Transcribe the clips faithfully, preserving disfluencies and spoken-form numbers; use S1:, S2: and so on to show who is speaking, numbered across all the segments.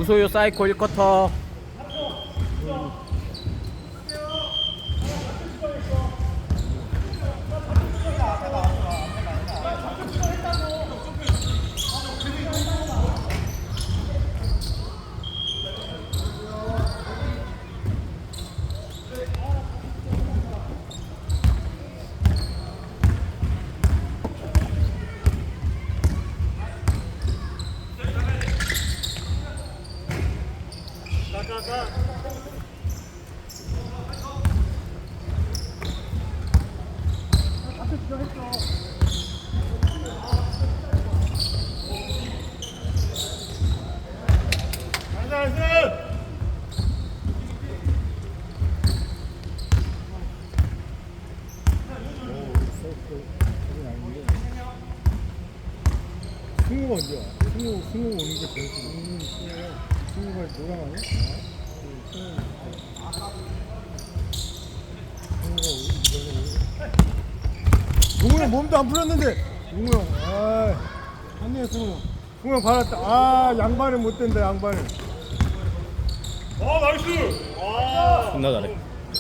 S1: 우소유 사이코 일 쿼터.
S2: 승우가 언제 와? 승우, 승우 오는 게 제일 좋아. 승우가 노랑 아니야? 승우가 형 몸도 안 풀었는데 승우 형, 아, 아니야 승우. 승우 형 받았다. 아, 양반을 못 댄다 양반을.
S3: 아 나이스! 와!
S1: 존나 잘해.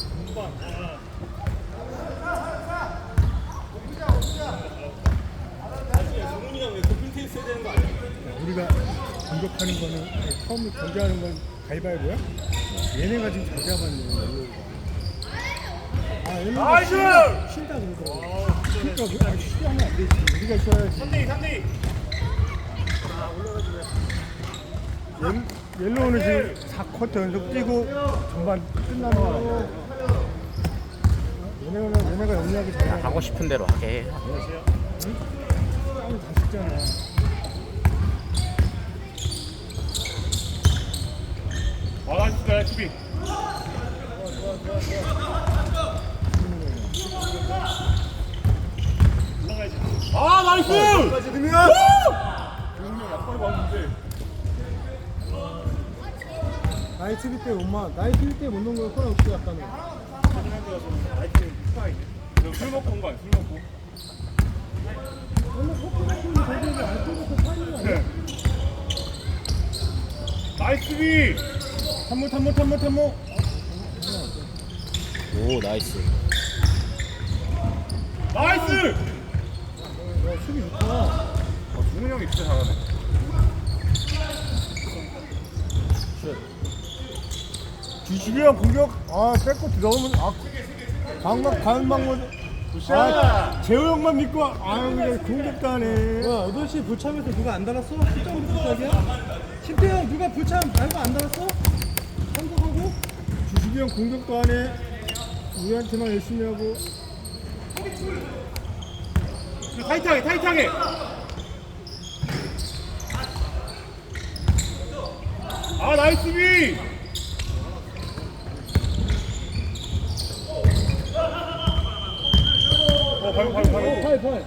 S3: 정훈이랑 왜 도핑 테니스 해야 되는 거 아니야?
S2: 우리가 공격하는 거는 아니, 처음 경기하는 건 가위바위보야? 얘네가 지금 잘 잡았네. 아, 얘네가
S3: 나이스!
S2: 쉰다, 쉰다 그러더라고. 그러니까 왜- 아, 쉬게 하면 안 되지. 우리가 쉬어야지.
S3: 삼 대 이, 삼 대 이!
S2: 옐, 옐로우는 지금 사 쿼터 연속 뛰고 전반 끝나는 거 아니야? 얘네가, 얘네가 영리하게 잘 나가.
S1: 하고 싶은 대로 하게 해.
S2: 땀을 다 씻잖아.
S3: 아 나이스 나이스 수비! 올라가야지. 아 나이스!
S2: 지금이야?
S3: 정훈이 형 약발이 왔는데
S2: 나이 수비 때 엄마, 나이 수비 때 못 넣은 거 코너 없이 갔다며.
S3: 사진한 데 가서 라이트 스파이네. 술 먹고 온 거 아니야? 술 먹고?
S2: 원래 커피 같은 거 저기에서 안 뜨고서 파는 거 아니야?
S3: 나이스 수비!
S2: 탐모 탐모 탐모 탐모.
S1: 오 나이스.
S3: 나이스!
S2: 야 수비 좋다.
S3: 어, 정훈이 형이 진짜 잘하네.
S2: 주식이랑 공격, 아 뺏고 들어오면 아 방막 가은방 뭐. 아 재호 형만 믿고 아유 그냥 공격도 하네.
S4: 뭐야, 여덟 시 불참에서 누가 안 달았어? 십점부터 시작이야? 신태형 누가 불참 달고 안 달았어? 참석하고?
S2: 주식이 형 공격도 하네. 우리한테만 열심히 하고.
S3: 타이트하게 타이트하게! 아 나이스 수비! 어 발목 발목 발목
S4: 팔, 팔.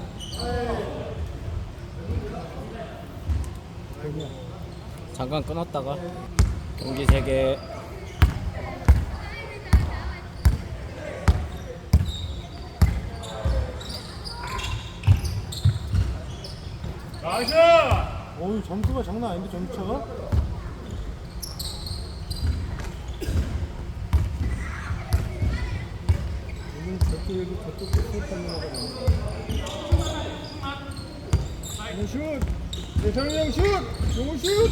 S1: 잠깐 끊었다가 경기 재개.
S3: 나이스!
S4: 어우, 점수가 장난 아닌데, 점수차가?
S2: 오늘 저쪽에도 저쪽도 슛하는 거가 나오네. 슛! 대상이 형 슛! 용호 슛!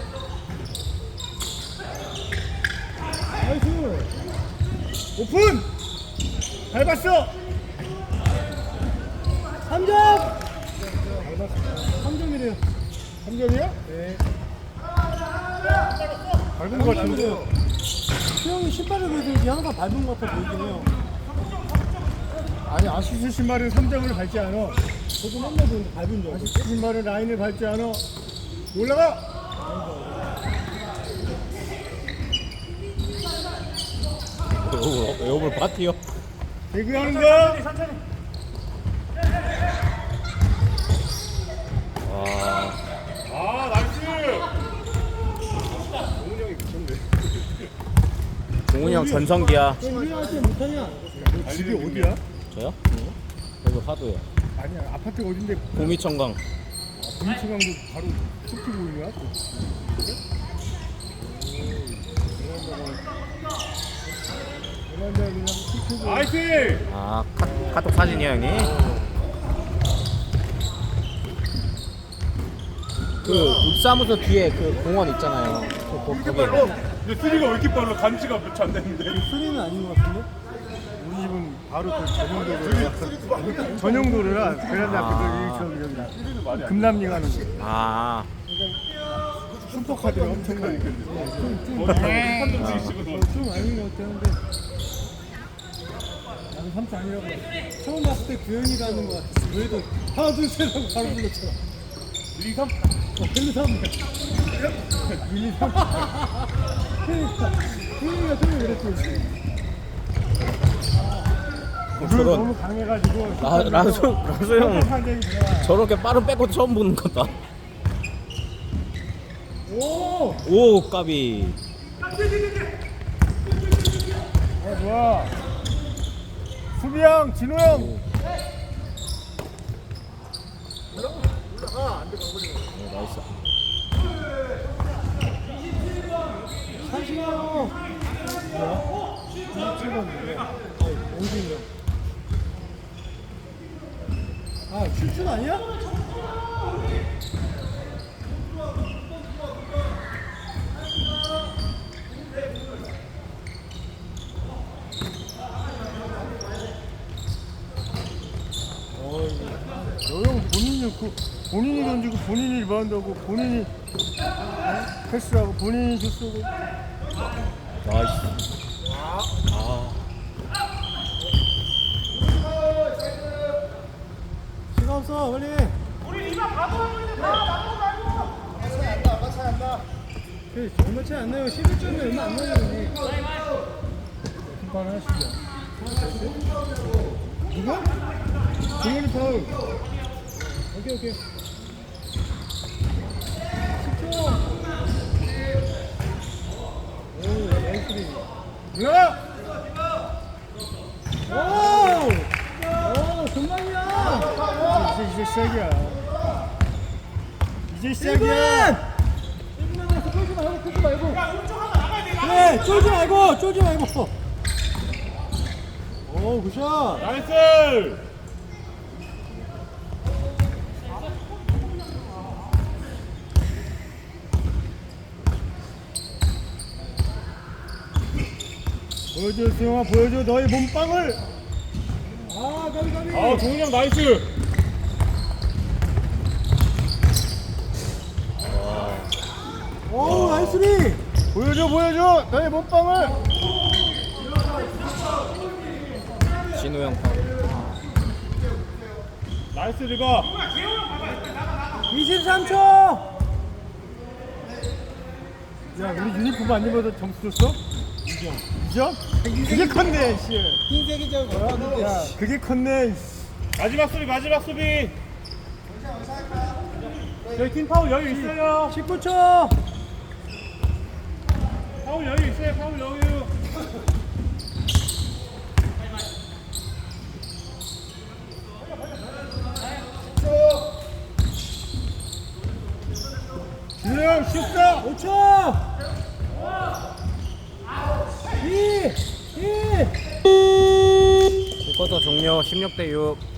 S2: 나이스! 오픈! 밟았어!
S4: 삼 점!
S2: 밟았어.
S4: 삼 점이래요.
S2: 삼 점이야? 네. 밟은 거 같은데요.
S4: 수영이 신발을 보여줘야지 항상 밟은 것 같아 보이긴 해요.
S2: 아니 아시스 신발은 삼 점을 밟지 않아.
S4: 저도 맨날 보는데 밟은 줄 알고.
S2: 아시스 신발은 라인을 밟지 않아. 올라가!
S1: 에어볼, 에어볼 파티요.
S2: 개그하는 거야?
S3: 천천히
S1: 와
S3: 아 나이스!
S1: 종훈이 형 전성기야.
S4: 왜 우리한테 못하냐?
S2: 너 집이 어디야?
S1: 저요? 여기 화도요.
S2: 아니야 아파트가 어딘데
S1: 구미청강.
S2: 공치강도 바로 숲이 보이냐? 유튜브.
S3: 나이스!
S1: 아 카, 카톡 사진이야 형이? 그 육사무소 뒤에 그 공원 있잖아요. 그, 거,
S3: 이렇게
S1: 거기.
S3: 빨라? 근데 수리가 왜 이렇게 빨라? 간지가 몇 초 안 됐는데.
S4: 수리는 아닌 것 같은데?
S2: 우리 집은 바로 그 전용도로 전용도로라 베란다
S1: 아.
S2: 앞에 저기 저기 금남리 가는 거.
S1: 아
S2: 슈퍼카들이 엄청 많으니까.
S3: 한 놈씩씩으로.
S4: 좀 아닌 것 같아 근데 나는 삼촌 아니라고 처음 봤을 때 구현이라는 것 같았어. 그래도 하나 둘셋 하고 바로 불렀잖아.
S3: 일, 이, 삼.
S4: 어, 일, 이, 삼. 일, 이, 삼. 그러니까 구현이가 처음에 그랬지.
S2: 물을
S1: 저건
S2: 너무 강해가지고.
S1: 라, 라수 라수 형
S2: 판정이 들어가.
S1: 저렇게 빠른 백코트 처음 보는 거다.
S4: 오!
S1: 오 까비.
S2: 어 좋아. 수비형 진호 형.
S1: 오. 오, 나이스.
S4: 사시나요? 뭐야? 이십칠 번 누구야? 오진이 형. 아, 출출 아니야?
S2: 너형 본인이 그 본인이 던지고 본인이 리바운드하고 본인이 어? 패스하고 본인이 슛쏘고.
S1: 나이스. 아
S4: 시간 없어, 빨리. 우리 이마 봐도 있는데 봐, 봐도 말고. 차이 안 나, 얼마 차이 안 나. 그 얼마 차이 안 나요. 십일 점이 얼마 안 나요.
S2: 심판 하시죠. 누가? 동현이 파울.
S4: 오케이, 오케이. 십 초. 오, 나이스.
S2: 야!
S4: 오! 오, 금방이야.
S2: 이제 이제 시작이야. 이제
S4: 일 분!
S2: 시작이야.
S4: 일 분 남았어. 쫄지 말고, 쫄지 말고. 그래, 쫄지 말고, 쫄지 말고. 오, 굿샷.
S3: 나이스!
S2: 보여줘 수영아, 보여줘 너의 몸빵을.
S4: 아, 가비, 가비.
S3: 아, 동훈이 형 나이스!
S4: 오, 나이스리.
S2: 보여줘 보여줘 너의 몸빵을.
S1: 진호 형 파울.
S3: 나이스 리가!
S4: 이십삼 초.
S2: 야 우리 유니폼 안 입어도 점수 줬어? 이 점. 이 점? 그게 컸네 씨.
S4: 흰색이죠, 뭐야?
S2: 야 그게 컸네.
S3: 마지막 수비, 마지막 수비! 저희 팀 파울 여유 있어요!
S4: 십구 초.
S3: 파울 여유 있어요, 파울 여유!
S2: 진호 형 슛다.
S4: 오 초. 이. 일.
S1: 쿼터 종료 십육 대 육.